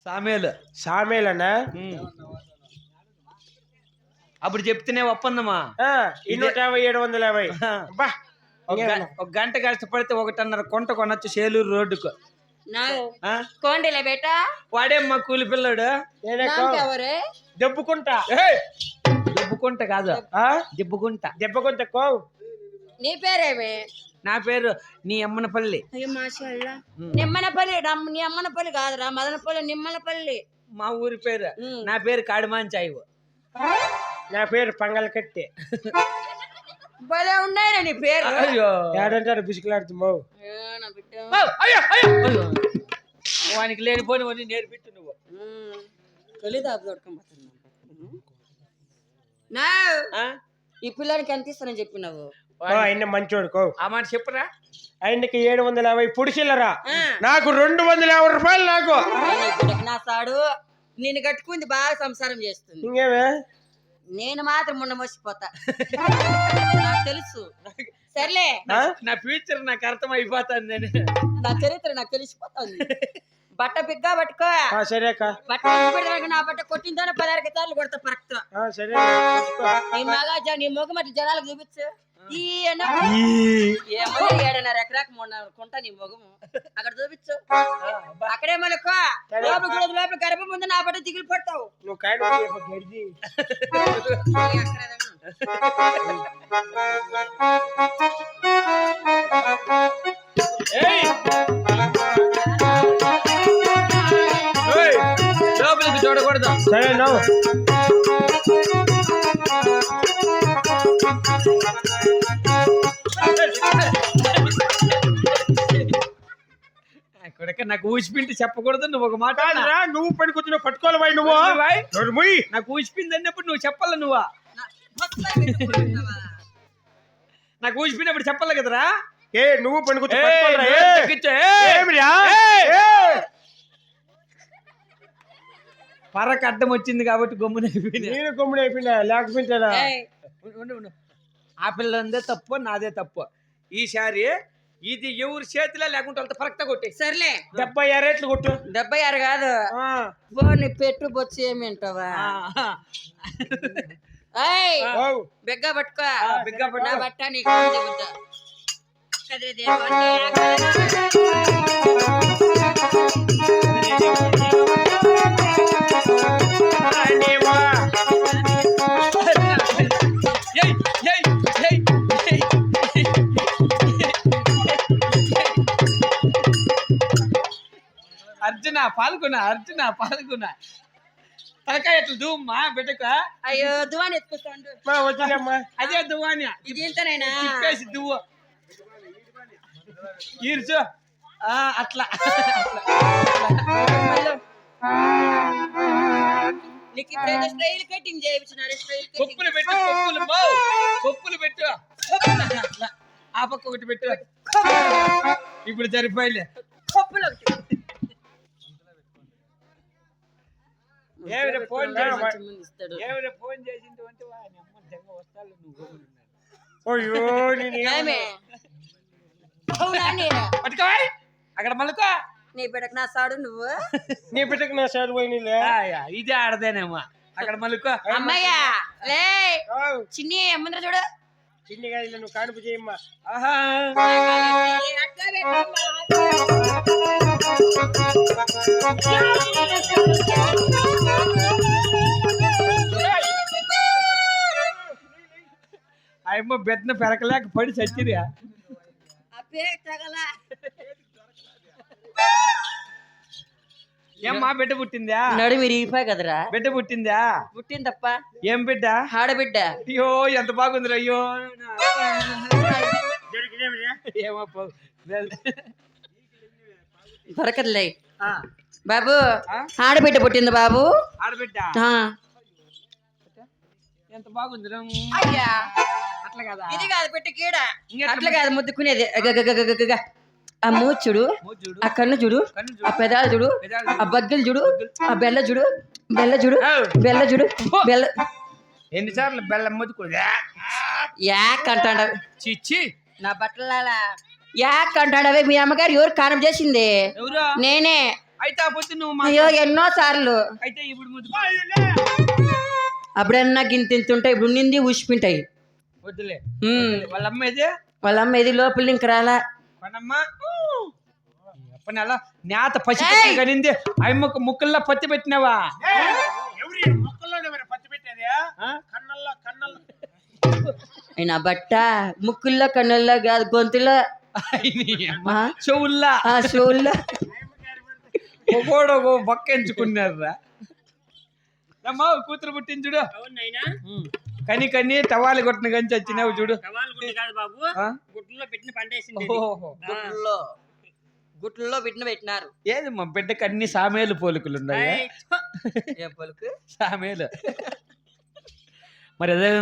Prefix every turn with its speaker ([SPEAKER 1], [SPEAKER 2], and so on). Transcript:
[SPEAKER 1] సామేలనా?
[SPEAKER 2] అప్పుడు చెప్తేనే ఒప్పందమా
[SPEAKER 1] 250 750.
[SPEAKER 2] ఒక గంట కష్టపడితే 1.5 కొంట కొనొచ్చు సేలూరు రోడ్డుకు.
[SPEAKER 3] కోండిలే బేటా
[SPEAKER 2] వాడేమ్మా కూలి పిల్లడు.
[SPEAKER 1] దెబ్బకుంటా
[SPEAKER 2] దెబ్బకుంట కాదు, దెబ్బకుంట.
[SPEAKER 1] దెబ్బకుంట కో.
[SPEAKER 3] నీ పేరేమే?
[SPEAKER 2] నా పేరు నీ అమ్మనపల్లి.
[SPEAKER 3] నిమ్మనపల్లి. నీ అమ్మనపల్లి కాదురా, మదనపల్లి, నిమ్మనపల్లి
[SPEAKER 2] మా ఊరి పేరు. నా పేరు కాడిమాంచాయి.
[SPEAKER 1] నా పేరు పంగలకట్టి.
[SPEAKER 3] భలే ఉన్నాయిరా నీ పేరు.
[SPEAKER 1] ఏడంటారు బిసుకులాడుతున్నావు.
[SPEAKER 2] వానికి లేనిపోని నేర్పించు నువ్వు.
[SPEAKER 3] ఈ పిల్లానికి ఎంత ఇస్తానని చెప్పినావు?
[SPEAKER 1] ఆయన మంచోడు కో.
[SPEAKER 2] ఆ మాట చెప్పురా.
[SPEAKER 1] ఆయనకి 750 పుడిచిల్లరా, నాకు 250 రూపాయలు. నాకు
[SPEAKER 3] నా సాడు నేను కట్టుకుంది బాగా సంసారం చేస్తుంది.
[SPEAKER 1] ఇంకేమే
[SPEAKER 3] నేను మాత్రం మొన్న మోసిపోతా, నాకు తెలుసు. సర్లే,
[SPEAKER 2] నా ఫ్యూచర్ నాకు అర్థం అయిపోతుంది.
[SPEAKER 3] నా చరిత్ర నాకు తెలిసిపోతుంది. బట్ట బిగ్గా పట్టుకో.
[SPEAKER 1] సరే
[SPEAKER 3] బట్ట నా బట్ట కొట్టిందో 16 సార్లు కొడతా పరక్తో.
[SPEAKER 1] సరే
[SPEAKER 3] నీ మగా నీ మొగ మట్టి జనాలకు చూపించు. 7.5 ఎకరాకు మొన్న కొంటా నీ మొగము అక్కడ చూపించు. అక్కడే మనకు లోపల గర్భం ముందు నా బట్ట దిగులు పడతావు.
[SPEAKER 1] నువ్వు
[SPEAKER 2] లోపలికి చూడకూడదు.
[SPEAKER 1] సరే నవ్వు.
[SPEAKER 2] నాకు ఊసిపిండి చెప్పకూడదు. నువ్వు ఒక మాట
[SPEAKER 1] నువ్వు పని కూర్చుని పట్టుకోవాలి. నువ్వు
[SPEAKER 2] నాకు ఊసిపిండి అన్నప్పుడు నువ్వు చెప్పాల. నువ్వా నాకు ఊసిపోయినప్పుడు చెప్పాలి కదరా.
[SPEAKER 1] నువ్వు పని కూర్చో.
[SPEAKER 2] పరకు అడ్డం వచ్చింది కాబట్టి
[SPEAKER 1] గమ్మునైపోయినా లేకపోతే
[SPEAKER 2] ఆ పిల్లందే తప్పు, నాదే తప్పు. ఈసారి ఇది ఎవరి చేతిలో లేకుంటే వాళ్ళతో పరక్తా కొట్టే.
[SPEAKER 3] సర్లే
[SPEAKER 1] 76 రేట్లు కొట్టు.
[SPEAKER 3] 76 కాదు, పెట్టు బొచ్చు ఏమింటావా? బిగ్గా పట్టుకో.
[SPEAKER 2] బిగ్గా పట్టు.
[SPEAKER 3] నా బట్ట నీకు
[SPEAKER 2] అర్జున పాల్గొన తలకాయ ఎట్లా దువ్వమ్మా బిడ్డక.
[SPEAKER 3] అయ్యో దువాని ఎత్తుకొస్తాండు.
[SPEAKER 2] అదే దువాని.
[SPEAKER 3] ఇది ఎంతనైనా
[SPEAKER 2] తిప్పేసి దువ్వు ఈర్చు. అట్లా
[SPEAKER 3] నీకు ఇప్పుడు స్టైల్ కటింగ్ చేయించినారు.
[SPEAKER 2] కొప్పులు పెట్టు. కొప్పులు పెట్టు. ఆ పక్క ఒకటి పెట్టు. ఇప్పుడు సరిపోయిలే.
[SPEAKER 3] కొప్పులు ఒకటి.
[SPEAKER 2] ఫోన్ చేసింది అంటే వస్తాను. పట్టుకోవాలి అక్కడ మళ్ళీ.
[SPEAKER 3] నీ బిడ్డకు నా సాడు నువ్వు.
[SPEAKER 1] నీ బిడ్డకు నా సాడు పోయినలే.
[SPEAKER 2] ఇదే ఆడదేనేమో అక్కడ మళ్ళీ.
[SPEAKER 3] అమ్మయ్యా లే చిన్ని ముందర చూడు.
[SPEAKER 1] చిన్ని కాదు, నువ్వు కానుపు చేయమ్మా.
[SPEAKER 2] అమ్మ బెత్తన పెరకలేక పడి చచ్చిరా. ఏమ్మా బిడ్డ పుట్టిందా?
[SPEAKER 3] నడు మీరు ఇరిగిపోయి కదరా.
[SPEAKER 2] బిడ్డ పుట్టిందా?
[SPEAKER 3] పుట్టింది తప్ప.
[SPEAKER 2] ఏం బిడ్డ?
[SPEAKER 3] ఆడబిడ్డ.
[SPEAKER 2] అయ్యో ఎంత బాగుందిరా. అయ్యో ఏమో
[SPEAKER 3] దొరకదులే బాబు. ఆడబిడ్డ పుట్టింది బాబు.
[SPEAKER 2] ఆడబిడ్డ ఎంత బాగుందిరా. అట్లా కదా,
[SPEAKER 3] ఇది కాదు పెట్టు కీడ. అట్లా కాదు ముద్దుకునేది. ఆ మూచుడు, ఆ కన్ను చూడు, ఆ పెదాలు చూడు, ఆ బగ్గలు చూడు, ఆ బెల్ల చూడు, బెల్ల.
[SPEAKER 2] ఎన్నిసార్లు బెల్లం ముద్దుకోడు.
[SPEAKER 3] యాక్ అంటాడు.
[SPEAKER 2] చిచ్చి
[SPEAKER 3] నా బట్టల యాక్ అంటాడవే. మీ అమ్మగారు ఎవరు కారం చేసింది? నేనే.
[SPEAKER 2] అయితే ఆ పొద్దు నువ్వు
[SPEAKER 3] అయ్యో ఎన్నో సార్లు.
[SPEAKER 2] అయితే ఇప్పుడు ముద్దు
[SPEAKER 3] అప్పుడన్నా గింతింతుంటే ఇప్పుడు నింది ఊసిపింటాయి.
[SPEAKER 2] వద్దులే.
[SPEAKER 3] ఉమ్.
[SPEAKER 2] వాళ్ళ అమ్మ ఏది
[SPEAKER 3] వాళ్ళ అమ్మ ఇది లోపల ఇంక రాలా.
[SPEAKER 2] పనమ్మ అప్పని అలా నేత పసి కనింది అమ్మ ముక్కల్లో పత్తి పెట్టినావా?
[SPEAKER 1] మొక్కల్లోనే మరి పత్తి పెట్టేది కన్నల్లో కన్నల్లో
[SPEAKER 3] అయినా బట్ట ముక్కుల్లో కన్నుల్లో కాదు గొంతులో
[SPEAKER 2] చెవుల్లా
[SPEAKER 3] చెవుల్లో.
[SPEAKER 2] ఒకడు బొక్క ఎంచుకున్నారా అమ్మా కూతురు పుట్టించుడు కని కని టవాలి కొట్టిన కంచి వచ్చినావు చూడు.
[SPEAKER 3] గుట్లో పెట్టినారు.
[SPEAKER 2] ఏది మా బిడ్డకి అన్ని సామేలు పోలికలు ఉన్నాయి.
[SPEAKER 3] ఏ పలుకు
[SPEAKER 2] సామేలు మరి అదే